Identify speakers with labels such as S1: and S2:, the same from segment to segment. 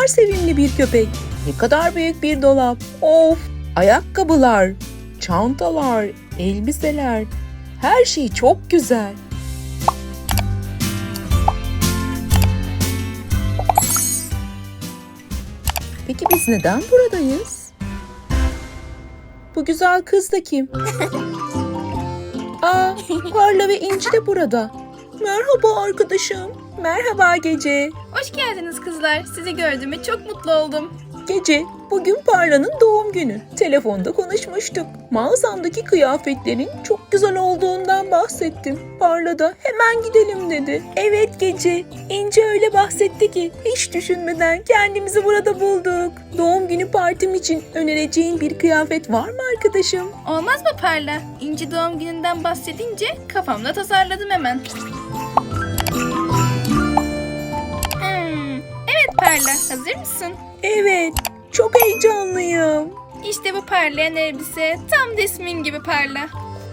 S1: kadar sevimli bir köpek. Ne kadar büyük bir dolap. Of! Ayakkabılar, çantalar, elbiseler. Her şey çok güzel. Peki biz neden buradayız? Bu güzel kız da kim? Aa, Parla ve İnci de burada. Merhaba arkadaşım. Merhaba Gece.
S2: Hoş geldiniz kızlar. Sizi gördüğüme çok mutlu oldum.
S1: Gece, bugün Parla'nın doğum günü. Telefonda konuşmuştuk. Mağazamdaki kıyafetlerin çok güzel olduğundan bahsettim. Parla da hemen gidelim dedi. Evet Gece, İnce öyle bahsetti ki hiç düşünmeden kendimizi burada bulduk. Doğum günü partim için önereceğin bir kıyafet var mı arkadaşım?
S2: Olmaz mı Parla? İnci doğum gününden bahsedince kafamda tasarladım hemen. Evet Parla, hazır mısın?
S1: Evet, çok heyecanlıyım.
S2: İşte bu parlayan elbise tam da ismin gibi Parla.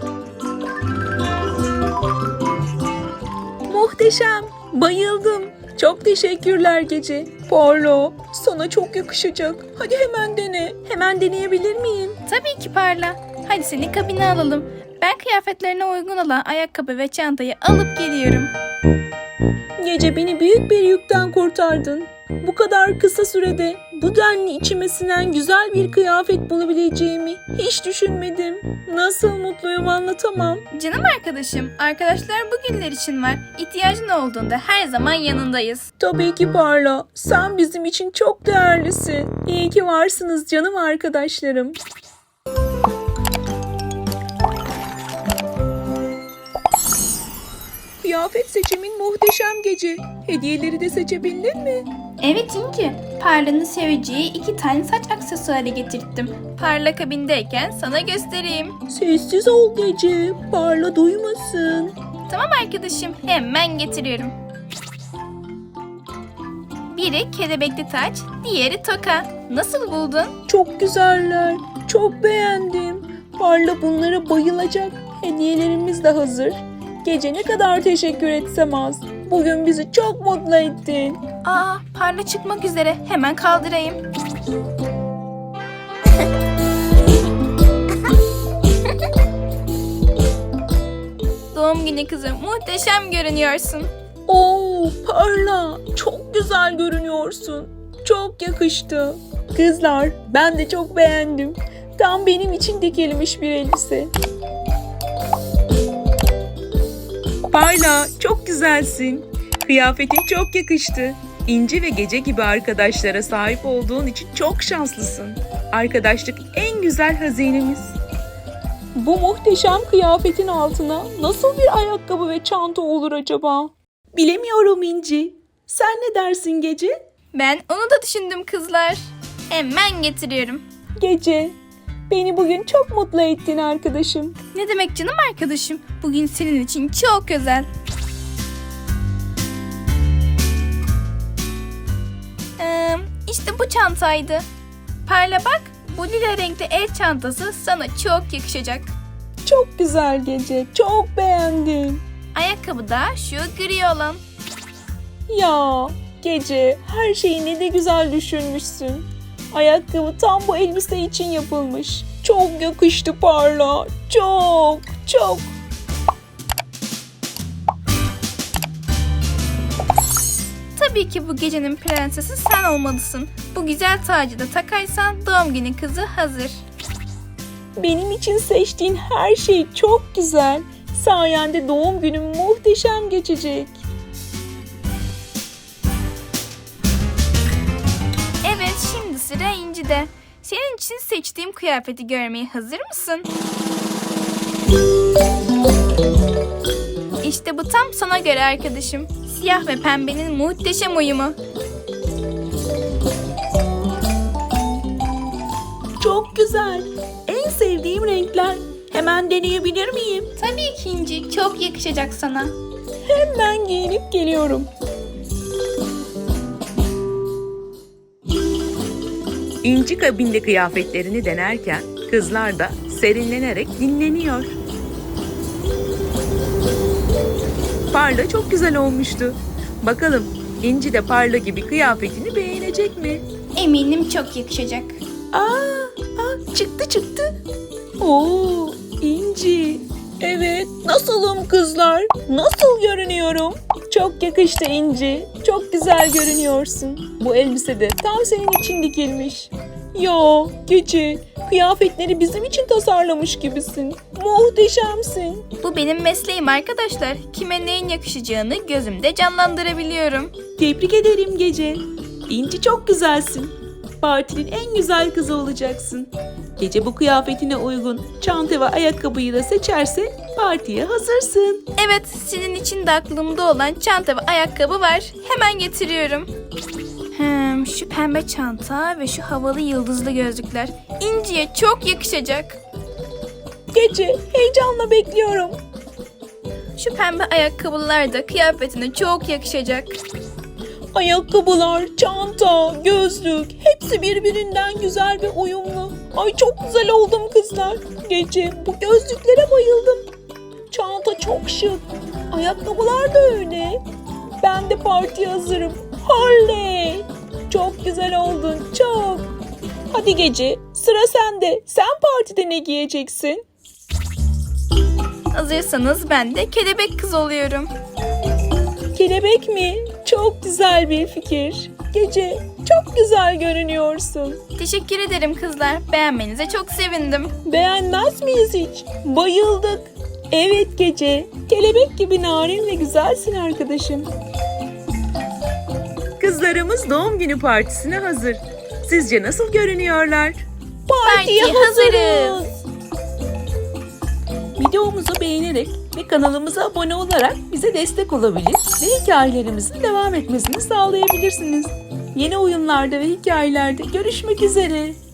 S1: Muhteşem, bayıldım. Çok teşekkürler Gece. Parla, sana çok yakışacak. Hadi hemen dene. Hemen deneyebilir miyim?
S2: Tabii ki Parla. Hadi seni kabine alalım. Ben kıyafetlerine uygun olan ayakkabı ve çantayı alıp geliyorum.
S1: Gece beni büyük bir yükten kurtardın. Bu kadar kısa sürede bu denli içime sinen güzel bir kıyafet bulabileceğimi hiç düşünmedim. Nasıl mutluyum anlatamam.
S2: Canım arkadaşım, arkadaşlar bugünler için var. İhtiyacın olduğunda her zaman yanındayız.
S1: Tabii ki Parla. Sen bizim için çok değerlisin. İyi ki varsınız canım arkadaşlarım. Kıyafet seçimin muhteşem Gece. Hediyeleri de seçebildin mi?
S2: Evet İnci, Parla'nın seveceği 2 tane saç aksesuarı getirttim. Parla kabindeyken sana göstereyim.
S1: Sessiz ol Gece. Parla duymasın.
S2: Tamam arkadaşım, hemen getiriyorum. Biri kelebekli taç, diğeri toka. Nasıl buldun?
S1: Çok güzeller. Çok beğendim. Parla bunlara bayılacak. Hediyelerimiz de hazır. Gece ne kadar teşekkür etsem az. Bugün bizi çok mutlu ettin.
S2: Aa, Parla çıkmak üzere. Hemen kaldırayım. Doğum günü kızım, muhteşem görünüyorsun.
S1: Oo, Parla, çok güzel görünüyorsun. Çok yakıştı. Kızlar, ben de çok beğendim. Tam benim için dikilmiş bir elbise. Parla, çok güzelsin. Kıyafetin çok yakıştı. İnci ve Gece gibi arkadaşlara sahip olduğun için çok şanslısın. Arkadaşlık en güzel hazinemiz. Bu muhteşem kıyafetin altına nasıl bir ayakkabı ve çanta olur acaba? Bilemiyorum İnci. Sen ne dersin Gece?
S2: Ben onu da düşündüm kızlar. Hemen getiriyorum.
S1: Gece, beni bugün çok mutlu ettin arkadaşım.
S2: Ne demek canım arkadaşım? Bugün senin için çok özel. İşte bu çantaydı. Parla bak, bu lila renkli el çantası sana çok yakışacak.
S1: Çok güzel Gece, çok beğendim.
S2: Ayakkabı da şu gri olan.
S1: Ya Gece, her şeyi ne de güzel düşünmüşsün. Ayakkabı tam bu elbise için yapılmış. Çok yakıştı Parla, çok, çok.
S2: Tabii ki bu gecenin prensesi sen olmalısın. Bu güzel tacı da takarsan doğum günü kızı hazır.
S1: Benim için seçtiğin her şey çok güzel. Sayende doğum günüm muhteşem geçecek.
S2: Evet, şimdi sıra İnci'de. Senin için seçtiğim kıyafeti görmeye hazır mısın? İşte bu tam sana göre arkadaşım. Siyah ve pembenin muhteşem uyumu.
S1: Çok güzel. En sevdiğim renkler. Hemen deneyebilir miyim?
S2: Tabii ki İnci, çok yakışacak sana.
S1: Hemen giyinip geliyorum. İnci kabinde kıyafetlerini denerken kızlar da serinlenerek dinleniyor. Parla çok güzel olmuştu. Bakalım İnci de Parla gibi kıyafetini beğenecek mi?
S2: Eminim çok yakışacak.
S1: Çıktı. Oo, İnci. Evet, nasılım kızlar? Nasıl görünüyorum? Çok yakıştı İnci. Çok güzel görünüyorsun. Bu elbise de tam senin için dikilmiş. Ya Gece, kıyafetleri bizim için tasarlamış gibisin. Muhteşemsin.
S2: Bu benim mesleğim arkadaşlar. Kime neyin yakışacağını gözümde canlandırabiliyorum.
S1: Tebrik ederim Gece. İnci çok güzelsin. Partinin en güzel kızı olacaksın. Gece bu kıyafetine uygun çanta ve ayakkabıyı da seçerse partiye hazırsın.
S2: Evet, sizin için de aklımda olan çanta ve ayakkabı var. Hemen getiriyorum. Şu pembe çanta ve şu havalı yıldızlı gözlükler İnci'ye çok yakışacak.
S1: Gece, heyecanla bekliyorum.
S2: Şu pembe ayakkabılar da kıyafetine çok yakışacak.
S1: Ayakkabılar, çanta, gözlük hepsi birbirinden güzel ve uyumlu. Ay çok güzel oldum kızlar. Gece, bu gözlüklere bayıldım. Çanta çok şık. Ayakkabılar da öyle. Ben de partiye hazırım. Harley. Çok güzel oldun, çok. Hadi Gece, sıra sende. Sen partide ne giyeceksin?
S2: Hazırsanız ben de kelebek kız oluyorum.
S1: Kelebek mi? Çok güzel bir fikir. Gece, çok güzel görünüyorsun.
S2: Teşekkür ederim kızlar. Beğenmenize çok sevindim.
S1: Beğenmez miyiz hiç? Bayıldık. Evet Gece, kelebek gibi narin ve güzelsin arkadaşım. Kızlarımız doğum günü partisine hazır. Sizce nasıl görünüyorlar?
S2: Partiye hazırız.
S1: Videomuzu beğenerek ve kanalımıza abone olarak bize destek olabilir ve hikayelerimizin devam etmesini sağlayabilirsiniz. Yeni oyunlarda ve hikayelerde görüşmek üzere.